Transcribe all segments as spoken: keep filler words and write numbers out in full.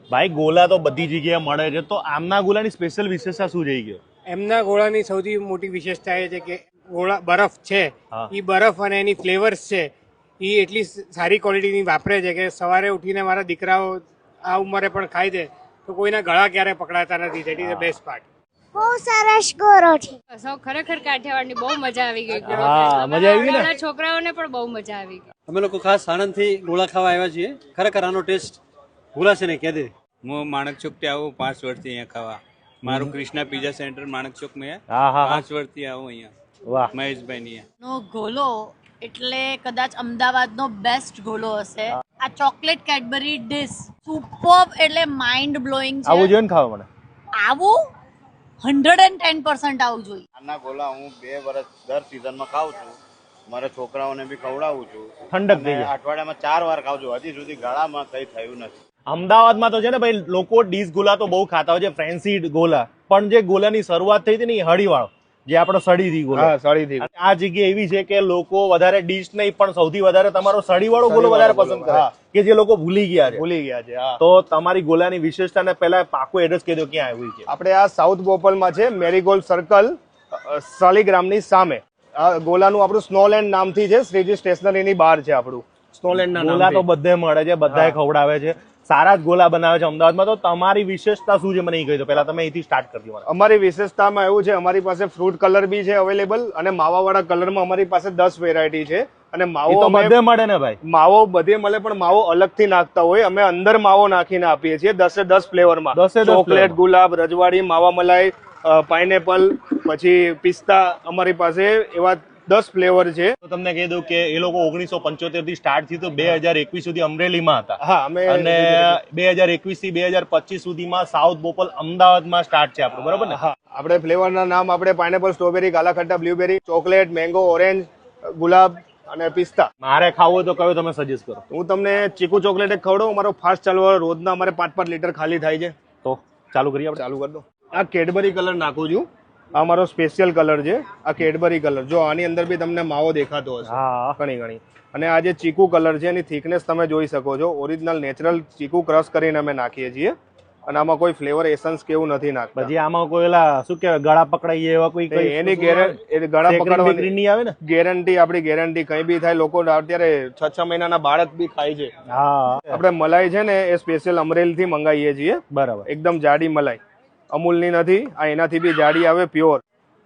ભાઈ ગોલા તો બધી જગ્યાએ મળે છે, તો આમના ગોલાની સ્પેશિયલ વિશેષતા શું રહી ગયો? એમના ગોળાની સૌથી મોટી વિશેષતા એ છે કે ગોળા બરફ છે, હા. એ બરફ અને એની ફ્લેવર્સ છે એ એટલી સારી ક્વોલિટીની વાપરે છે કે સવારે ઉઠીને મારા દીકરાઓ આ ઉંમરે પણ ખાય છે તો કોઈના ગળા ક્યારે પકડાતા નથી. That is the best part. બહુ સરસ ગોરો છે. સૌ ખરેખર કાઠિયાવાડની બહુ મજા આવી ગઈ. હા, મજા આવી ગઈ ને? નાના છોકરાઓને પણ બહુ મજા આવી ગઈ. અમે લોકો ખાસ આણંદથી ગોળા ખાવા આવ્યા છીએ. ખરેખર આનો ટેસ્ટ ભૂલાશે નહીં કે દે. હું માણક ચોક થી આવું પાંચ વર્ષથી અહીંયા ખાવા. મારું કૃષ્ણા પીઝા સેન્ટર માણક ચોક માં હા હા પાંચ વર્ષથી આવું અહીંયા. વાહ, મહેશભાઈ ની નો ગોલો એટલે કદાચ અમદાવાદનો બેસ્ટ ગોલો હશે. આ ચોકલેટ કેડબરી ડિશ સુપર્બ એટલે માઇન્ડ બ્લોઈંગ છે. આવું જોઈએ ને ખાવા મને. આવું હંડ્રેડ એન્ડ ટેન પર્સન્ટ આવું જોઈએ. આના ગોલા હું બે વર્ષ દર સિઝનમાં ખાઉં છું. મારા છોકરાઓને બી ખવડાવું છું. ઠંડક થઈ અને જાય. અઠવાડિયામાં ચાર વાર ખાઉં છું. હજી સુધી ગળામાં કઈ થયું નથી. અમદાવાદમાં તો છે ને ભાઈ, લોકો ડીશ ગોલા તો બહુ ખાતા હોય છે, ફેન્સી ગોલા, પણ જે ગોલાની શરૂઆત થઈ હતી ને એ હળીવાળો, જે આપણો સળીથી ગોલો. સળીથી. અને આ જગ્યા એવી છે કે લોકો વધારે ડીશ નહીં પણ સૌથી વધારે તમારો સળીવાળો ગોલો વધારે પસંદ કરે, કે જે લોકો ભૂલી ગયા છે. ભૂલી ગયા છે. હા, તો તમારી ગોલાની વિશેષતાને પહેલા પાકું એડ્રેસ કહી દો, ક્યાં આવ્યું છે? આપણે આ સાઉથ બોપલમાં છે, મેરીગોલ્ડ સર્કલ, શાલીગ્રામની સામે. આ ગોલાનું આપણું સ્નોલેન્ડ નામથી છે, શ્રીજી સ્ટેશનરીની બહાર છે આપણું સ્નોલેન્ડ. ગોલા તો બધે મળે છે, બધાએ ખવડાવે છે, સારા જ ગોલા બનાવે છે અમદાવાદમાં. તો તમારી વિશેષતા શું છે મને એ કહી દો પહેલા. તમે અહીંથી સ્ટાર્ટ કરી દો. અમારી વિશેષતામાં એવું છે, અમારી પાસે ફ્રૂટ કલર બી છે અવેલેબલ, અને માવાવાળા કલરમાં અમારી પાસે દસ વેરાયટી છે. અને એ માવો તો અમે- બધે મળે ને ભાઈ. માવો બધે મળે, પણ માવો અલગથી નાખતા હોય. અમે અંદર માવો નાખીને આપીએ છીએ દસે દસ ફ્લેવરમાં. દસે દસ ચોકલેટ, flavor. ગુલાબ, રજવાડી, માવા મલાઈ, પાઇનેપલ, પછી પિસ્તા. અમારી પાસે એવા દસ ફ્લેવર છે. તો તમને કહી દઉં કે એ લોકો ઓગણીસો પંચોતેર થી સ્ટાર્ટ થયું, તો બે હજાર એકવીસ સુધી અમરેલીમાં હતા. હા, અમે અને બે હજાર એકવીસ થી બે હજાર પચીસ સુધીમાં સાઉથ બોપલ અમદાવાદમાં સ્ટાર્ટ છે આપણું, બરોબર ને? હા, આપણે ફ્લેવરના નામ આપણે pineapple, strawberry, kala khatta, blueberry, chocolate, mango, orange, ગુલાબ અને પિસ્તા. મારે ખાવું હોય તો કયો તમે સજેસ્ટ કરો? હું તમને ચીકુ ચોકલેટ એક ખવડાવું. અમારો ફાસ્ટ ચાલવા રોજના અમારે પાંચ પાંચ લીટર ખાલી થાય છે. તો ચાલુ કરીએ આપણે. ચાલુ કરી દો. આ કેડબરી કલર નાખું છું. આ મારો સ્પેશિયલ કલર છે, આ કેડબરી કલર. જો આની અંદર બી તમને માવો દેખાતો હશે હા, ઘણી ઘણી. અને આ જે ચીકુ કલર છે એની થિકનેસ તમે જોઈ શકો છો. ઓરિજિનલ નેચરલ ચીકુ ક્રશ કરીને અમે નાખીએ છીએ. અને આમાં કોઈ ફ્લેવર એસન્સ કેવું નથી નાખતા. પછી આમાં કોઈ એલા શું કહેવાય, ગળા પકડાઈ એવા કોઈ કઈ એની ગેરંટી ગળા પકડવાની નહીં આવે ને? ગેરંટી આપણી ગેરંટી. કઈ બી થાય. લોકો અત્યારે છ છ મહિનાના બાળક બી ખાય છે. હા, આપણે મલાઈ છે ને એ સ્પેશિયલ અમરેલી થી મંગાવીએ છીએ. બરાબર. એકદમ જાડી મલાઈ, અમૂલની નથી. આ એનાથી બી જાડી આવે, પ્યોર.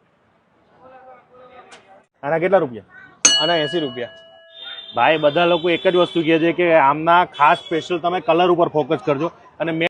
આના કેટલા રૂપિયા? આના એસી રૂપિયા. ભાઈ બધા લોકો એક જ વસ્તુ કહે છે કે આમના ખાસ સ્પેશિયલ તમે કલર ઉપર ફોકસ કરજો. અને મેં